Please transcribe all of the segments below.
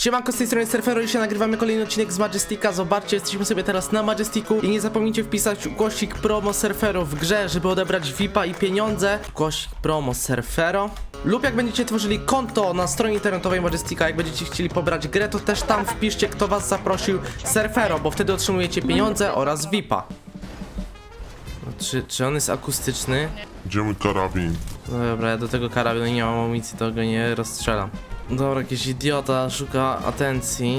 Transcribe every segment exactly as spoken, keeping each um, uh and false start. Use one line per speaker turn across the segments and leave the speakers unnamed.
Siemanko, z tej strony Surfero i się nagrywamy kolejny odcinek z Majestika. Zobaczcie, jesteśmy sobie teraz na Majestiku i nie zapomnijcie wpisać ukośnik promo Surfero w grze, żeby odebrać V I P-a i pieniądze. Ukośnik promo Surfero. Lub jak będziecie tworzyli konto na stronie internetowej Majestika, jak będziecie chcieli pobrać grę, to też tam wpiszcie, kto was zaprosił, Surfero, bo wtedy otrzymujecie pieniądze oraz V I P-a. No, czy, czy on jest akustyczny?
Gdzie mój karabin?
No dobra, ja do tego karabinu nie mam amunicji, to go nie rozstrzelam. Dobra, jakiś idiota szuka atencji.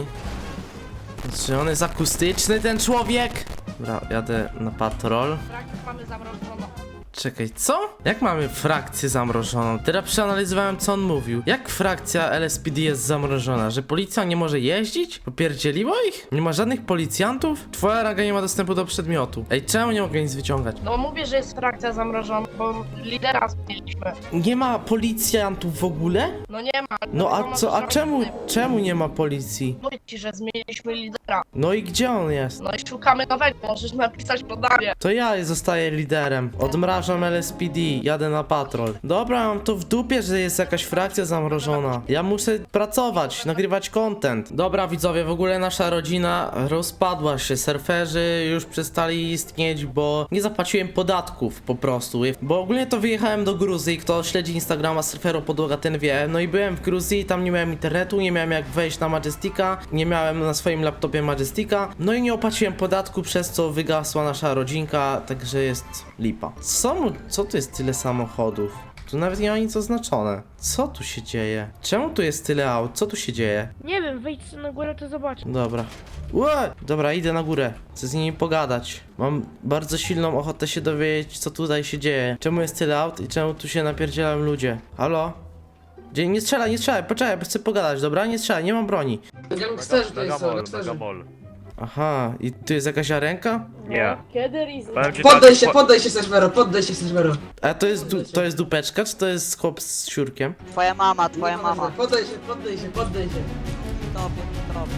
Czy on jest akustyczny, ten człowiek? Dobra, jadę na patrol.
Frakcję mamy zamrożoną.
Czekaj, co? Jak mamy frakcję zamrożoną? Teraz przeanalizowałem, co on mówił. Jak frakcja L S P D jest zamrożona? Że policja nie może jeździć? Popierdzieliło ich? Nie ma żadnych policjantów? Twoja ranga nie ma dostępu do przedmiotu. Ej, czemu nie mogę nic wyciągać?
No mówię, że jest frakcja zamrożona, bo lidera zmieniliśmy.
Nie ma policjantów w ogóle?
No nie ma.
No a
ma
co, a
żadnych-
czemu, czemu nie ma policji?
Mówię ci, że zmieniliśmy lidera.
No i gdzie on jest?
No i szukamy nowego, możesz napisać podanie.
To ja zostaję liderem. Odmrażam L S P D, jadę na patrol. Dobra, mam to w dupie, że jest jakaś frakcja zamrożona. Ja muszę pracować, nagrywać content. Dobra widzowie, w ogóle nasza rodzina rozpadła się. Surferzy już przestali istnieć, bo nie zapłaciłem podatków po prostu. Bo ogólnie to wyjechałem do Gruzji, kto śledzi Instagrama Surfero Podłoga, ten wie. No i byłem w Gruzji, tam nie miałem internetu, nie miałem jak wejść na Majestika, nie miałem na swoim laptopie Majestika. No i nie opłaciłem podatku, przez co wygasła nasza rodzinka, także jest lipa. Co mu, co tu jest tyle samochodów? Tu nawet nie ma nic oznaczone. Co tu się dzieje? Czemu tu jest tyle aut? Co tu się dzieje?
Nie wiem, wejdź na górę, to zobacz.
Dobra. Ue! Dobra, idę na górę. Chcę z nimi pogadać. Mam bardzo silną ochotę się dowiedzieć, co tutaj się dzieje. Czemu jest tyle aut i czemu tu się napierdzielają ludzie? Halo? Gdzie? Nie strzelaj, nie strzelaj, poczekaj, bo chcę pogadać, dobra? Nie strzelaj, nie mam broni.
Gangsterzy tutaj są, gangsterzy.
Megamol.
Aha, i tu jest jakaś arenka?
Nie.
Kiedy Riz?
Powiem ci
Poddaj
tak,
się,
po-
poddaj się Seżwero, poddaj się Seżwero.
A to jest, du to jest dupeczka, czy to jest chłop z siurkiem?
Twoja mama, twoja mama.
Poddaj się, poddaj się, poddaj się.
Tobie, tobie.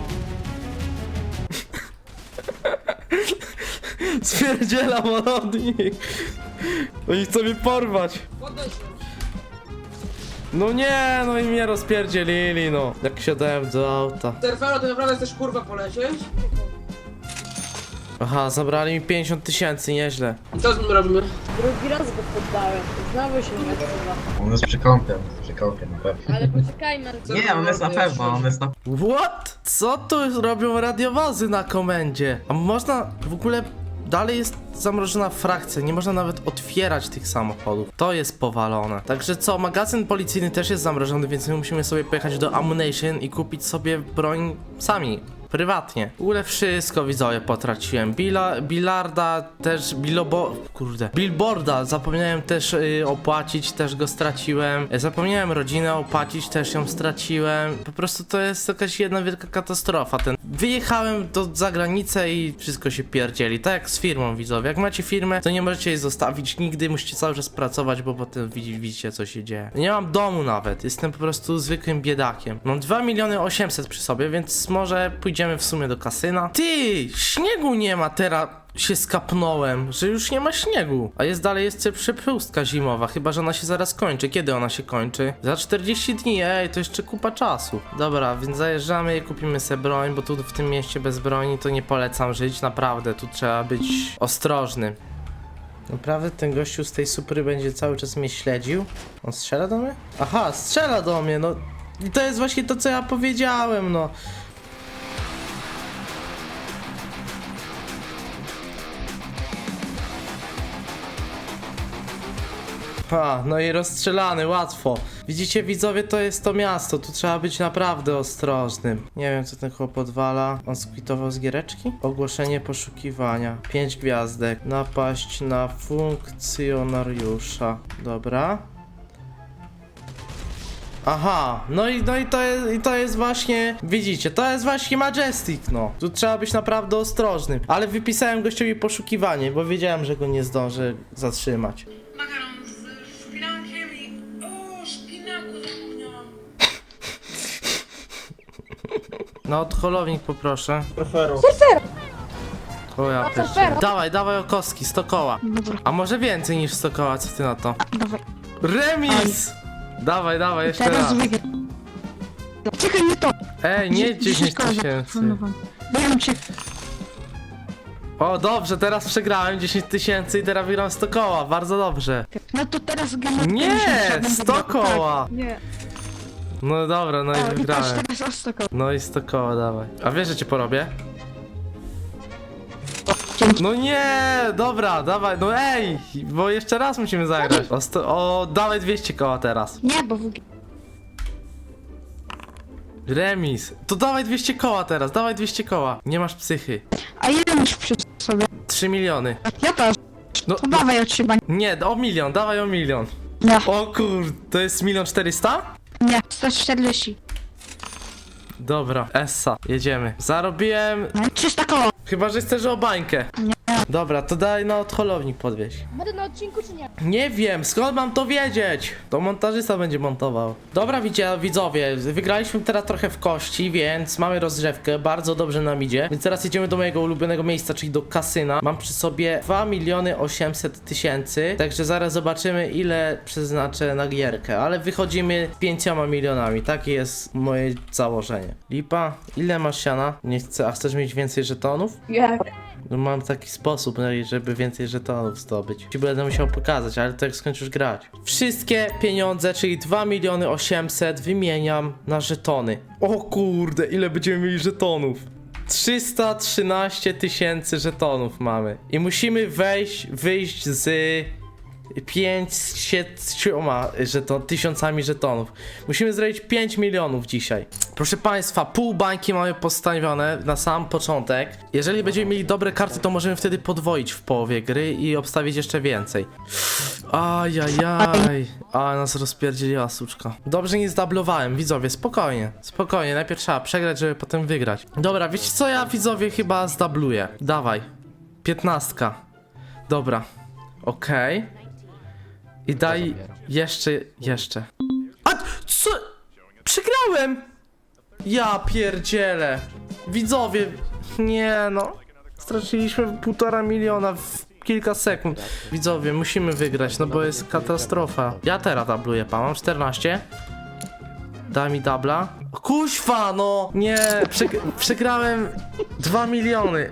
Spierdzielam od nich. Oni chcą mnie porwać.
Poddaj się.
No nie, no i mnie rozpierdzielili, no. Jak siadałem do auta.
Seżwero, ty naprawdę chcesz kurwa polecieć?
Aha, zabrali mi pięćdziesiąt tysięcy, nieźle.
I co z nim robimy?
Drugi raz go poddałem. Znowu się nie odzywa.
On jest przy kąpie, przy kąpie na pewno.
Ale poczekajmy.
Nie, on jest na pewno, on jest na
What? Co tu robią radiowozy na komendzie? A można w ogóle... Dalej jest zamrożona frakcja, nie można nawet otwierać tych samochodów. To jest powalone. Także co, magazyn policyjny też jest zamrożony, więc my musimy sobie pojechać do Ammunition i kupić sobie broń sami. Prywatnie. W ogóle wszystko widzowie potraciłem. Bila, bilarda też, bilobo... Kurde. Billboarda zapomniałem też yy, opłacić, też go straciłem. Zapomniałem rodzinę opłacić, też ją straciłem. Po prostu to jest jakaś jedna wielka katastrofa. Ten... Wyjechałem do zagranicy i wszystko się pierdzieli. Tak jak z firmą widzowie. Jak macie firmę, to nie możecie jej zostawić nigdy, musicie cały czas pracować, bo potem widzicie co się dzieje. Nie mam domu nawet. Jestem po prostu zwykłym biedakiem. Mam dwa miliony osiemset przy sobie, więc może pójdziemy w sumie do kasyna. Ty, śniegu nie ma teraz. Się skapnąłem, że już nie ma śniegu. A jest dalej jeszcze przepustka zimowa, chyba że ona się zaraz kończy. Kiedy ona się kończy? Za czterdzieści dni, ej, to jeszcze kupa czasu. Dobra, więc zajeżdżamy i kupimy sobie broń, bo tu w tym mieście bez broni to nie polecam żyć, naprawdę, tu trzeba być ostrożny. Naprawdę ten gościu z tej supry będzie cały czas mnie śledził? On strzela do mnie? Aha, strzela do mnie, no. I to jest właśnie to, co ja powiedziałem, no. Ha, no i rozstrzelany, łatwo. Widzicie widzowie, to jest to miasto, tu trzeba być naprawdę ostrożnym. Nie wiem co ten chłop odwala. On skwitował z giereczki? Ogłoszenie poszukiwania. Pięć gwiazdek. Napaść na funkcjonariusza. Dobra. Aha, no i, no i, to jest, i to jest właśnie, widzicie, to jest właśnie Majestic, no. Tu trzeba być naprawdę ostrożnym. Ale wypisałem gościowi poszukiwanie, bo wiedziałem, że go nie zdążę zatrzymać.
Makaron z szpinakiem i... O, szpinaku zapomniałam.
No, odholownik poproszę.
Surfero.
O ja pierwszy. Dawaj, dawaj o kostki, sto koła. A może więcej niż sto koła, co ty na to?
Dawaj.
Remis! Dawaj, dawaj, jeszcze raz.
Czekaj, nie to.
Ej, nie dziesięć tysięcy.
Wiem cię.
O, dobrze, teraz przegrałem dziesięć tysięcy i teraz wygram sto koła, bardzo dobrze.
No to teraz gram.
Nie, sto koła.
Nie.
No dobra, no i
O, i patrz,
wygrałem.
teraz o sto koła.
No i sto koła, dawaj. A wiesz, że cię porobię? No nie, dobra, dawaj, no ej, bo jeszcze raz musimy zagrać. O, sto, o dawaj dwieście koła teraz.
Nie, bo w...
Remis. To dawaj dwieście koła teraz, dawaj dwieście koła. Nie masz psychy.
A ile masz przy sobie?
trzy miliony.
Ja też.
No,
To dawaj od siebie.
nie, o milion, dawaj o milion.
Nie,
O kur, to jest milion czterysta?
nie, sto czterdzieści.
Dobra, Essa, jedziemy. Zarobiłem,
No, trzysta koła.
chyba że chcesz o bańkę.
Nie.
Dobra, to daj na odholownik podwieź.
Będę na odcinku czy nie?
Nie wiem, skąd mam to wiedzieć? To montażysta będzie montował. Dobra, widzicie, widzowie, wygraliśmy teraz trochę w kości, więc mamy rozgrzewkę, bardzo dobrze nam idzie. Więc teraz jedziemy do mojego ulubionego miejsca, czyli do kasyna. Mam przy sobie dwa miliony osiemset tysięcy, także zaraz zobaczymy, ile przeznaczę na gierkę. Ale wychodzimy z pięcioma milionami, takie jest moje założenie. Lipa, ile masz siana? Nie chcę, a chcesz mieć więcej żetonów?
Jak?
No mam taki sposób, no i żeby więcej żetonów zdobyć. Ci będę musiał pokazać, ale to jak skończysz grać. Wszystkie pieniądze, czyli dwa miliony osiemset wymieniam na żetony. O kurde, ile będziemy mieli żetonów? trzysta trzynaście tysięcy żetonów mamy. I musimy wejść, wyjść z pięćdziesięcioma żeton, tysiącami żetonów. Musimy zrobić pięć milionów dzisiaj. Proszę Państwa, pół bańki mamy postawione na sam początek. Jeżeli będziemy mieli dobre karty, to możemy wtedy podwoić w połowie gry i obstawić jeszcze więcej. Ajajaj, a nas rozpierdzieliła suczka. Dobrze nie zdablowałem, widzowie, spokojnie, spokojnie, najpierw trzeba przegrać, żeby potem wygrać. Dobra, wiecie co, ja widzowie chyba zdabluję. Dawaj, piętnastka. Dobra, okej. I daj jeszcze, jeszcze. A co? Przegrałem! Ja pierdzielę. Widzowie, nie no. Straciliśmy półtora miliona w kilka sekund. Widzowie, musimy wygrać, no bo jest katastrofa. Ja teraz dabluję, pan, mam czternaście. Daj mi dubla. O, kuźwa, no! Nie, przeg przegrałem dwa miliony.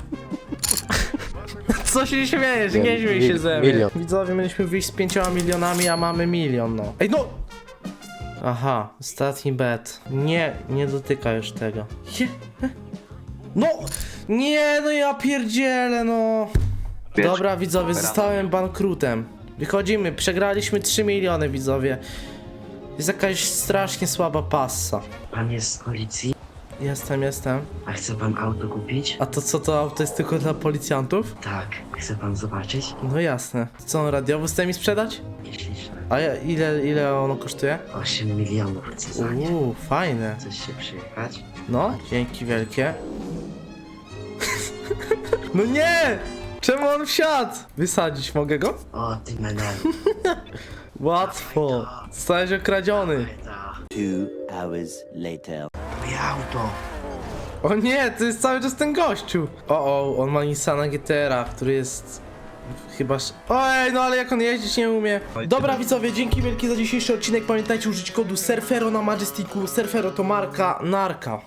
Co się śmiejesz? Nie śmiej się ze mnie. Widzowie, mieliśmy wyjść z pięcioma milionami, a mamy milion, no. Ej, no! Aha, ostatni bet. Nie, nie dotyka już tego. Je. No! Nie, no ja pierdzielę, no. Dobra, widzowie, zostałem bankrutem. Wychodzimy, przegraliśmy trzy miliony, widzowie. Jest jakaś strasznie słaba passa.
Pan jest z policji?
Jestem, jestem.
A chce pan auto kupić?
A to co, to auto jest tylko dla policjantów?
Tak. Chce pan zobaczyć?
No jasne. Co, on radiowy chce mi sprzedać?
Nieśliczne.
A ja, ile, ile ono kosztuje?
osiem milionów chce za nie.
Uuu, fajne.
Chcesz się przyjechać?
No, dzięki wielkie. No nie! Czemu on wsiadł? Wysadzić mogę go?
O, ty menelu.
Łatwo. Zostałeś okradziony.
Two hours later.
Moje auto.
O nie, to jest cały czas ten gościu. O, o, on ma Nissana G T R, który jest chyba... sz- Ojej, no ale jak on jeździć nie umie. Dobra widzowie, dzięki wielkie za dzisiejszy odcinek. Pamiętajcie użyć kodu Surfero na Majesticu. Surfero to marka narka.